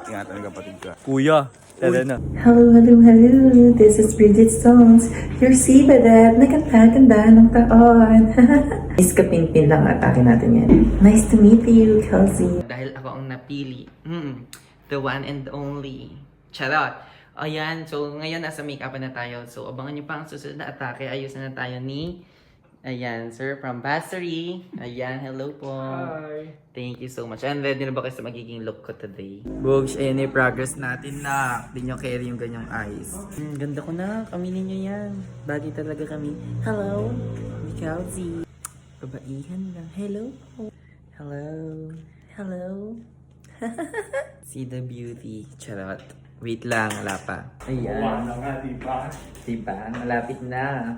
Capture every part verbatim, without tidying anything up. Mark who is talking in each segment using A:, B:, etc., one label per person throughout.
A: Ingatan ng kapatid ka. Kuya, tala na.
B: Hello, hello, hello. This is Bridget Stones. Your Sibadab. Nagkanta-ganda ng taon. Miss Kapinpin lang atake natin yan. Nice to meet you, Kelsey.
C: Dahil ako ang napili. Mm, the one and only. Charot. Ayan, so ngayon nasa make-up na tayo. So abangan nyo pa ang susunod na atake. Ayusin na tayo ni... Ayan, sir, from Bassery. Ayan, hello po.
D: Hi.
C: Thank you so much. And ready na ba kayo sa magiging look ko today?
D: Bogs, ayan yung progress natin na. Hindi nyo carry yung ganyang eyes.
C: Hmm, ganda ko na. Kaminin nyo yan. Bagay talaga kami. Hello, Kelsey. Babaihan lang. Hello po. Hello. Hello. See the beauty. Charot.
D: Wait lang, wala pa.
C: Ayan.
D: Wala nga, diba?
C: Diba? Malapit na.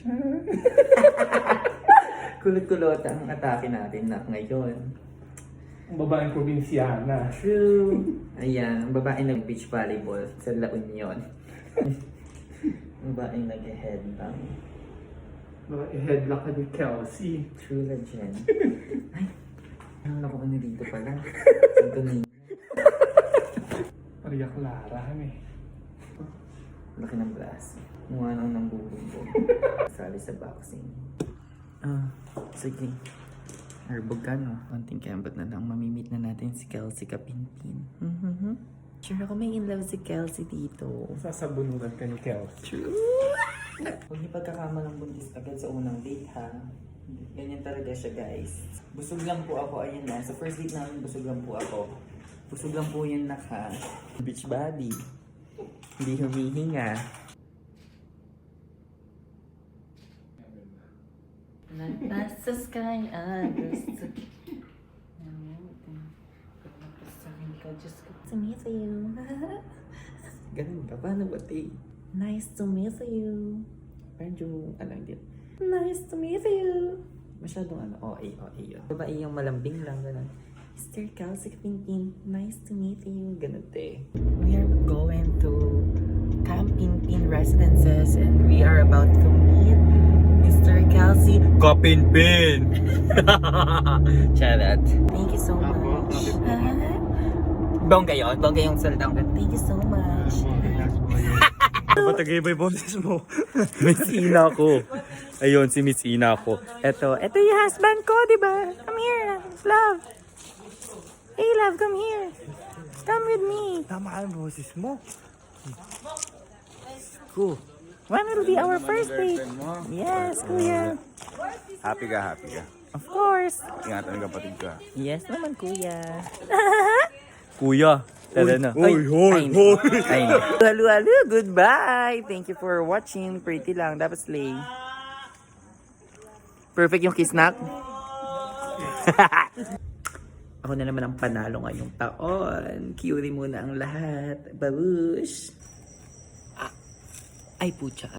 C: Kulot-kulot ang atake natin na ngayon.
D: Ang babaeng probinsyana.
C: True. Ayan, ang babae nag-beach volleyball sa La Union. Ang babae nag-headbang.
D: Mga headlock ka ni Kelsey.
C: True legend. Ay, ano ako ano dito pala? Ito na
D: Maria Clara, eh.
C: laki ng braso. Mukha nang nambubugbog. Sali sa boxing. Ah, sige. Arbog ka, no? Konting kembot na lang. Mamimit na natin si Kelsey Kapinpin. Mm-hmm. Sure ako may in love si Kelsey dito.
D: Sasabunutan ka ni Kelsey.
C: True. Huwag niyo pagkakamalang buntis agad sa unang date, ha? Ganyan talaga siya, guys. Busog lang po ako. Ayun na. Sa first date namin, busog lang po ako. Busog lang po yun, naka. Beach body. Hindi humihinga. Nasa sky, others to... Pagpapasahin ka, Diyos ko. To meet you. Ganun ba? Paano ba, te? Nice to meet you. Medyo, ano yun? Nice to meet you. Masyadong ano, O A, O A yun. Babae yung malambing lang, ganun. Mister Kelsey Kapinpin, nice to meet you. Ganun, te. We are going to Camp Pinpin Residences and we are about to meet Mister Kelsey
A: Kapinpin!
C: Charot. Thank you so much. Bongga yun? Bongga yung salita ko. Thank you so much.
A: Ba't tagay-bay boses mo? Miss Ina ko. Ayun, si Miss Ina ko.
C: Eto, eto yung husband ko, di ba? Come here, love. Hey, love, come here. Come with me.
A: Tama ang boses mo. Cool.
C: When will be our first date? Yes, kuya.
A: Happy ka, happy ka.
C: Of course.
A: Ingatan ng kapatid ka.
C: Yes naman, kuya.
A: Kuya, tala na.
C: Uy,
A: hoy,
C: Ay, halo, halo, goodbye. Thank you for watching. Pretty lang, dapat slay. Perfect yung kiss knock. Ako na naman ang panalo ngayong taon. Cutie muna ang lahat. Babush. Ah, ay, pucha.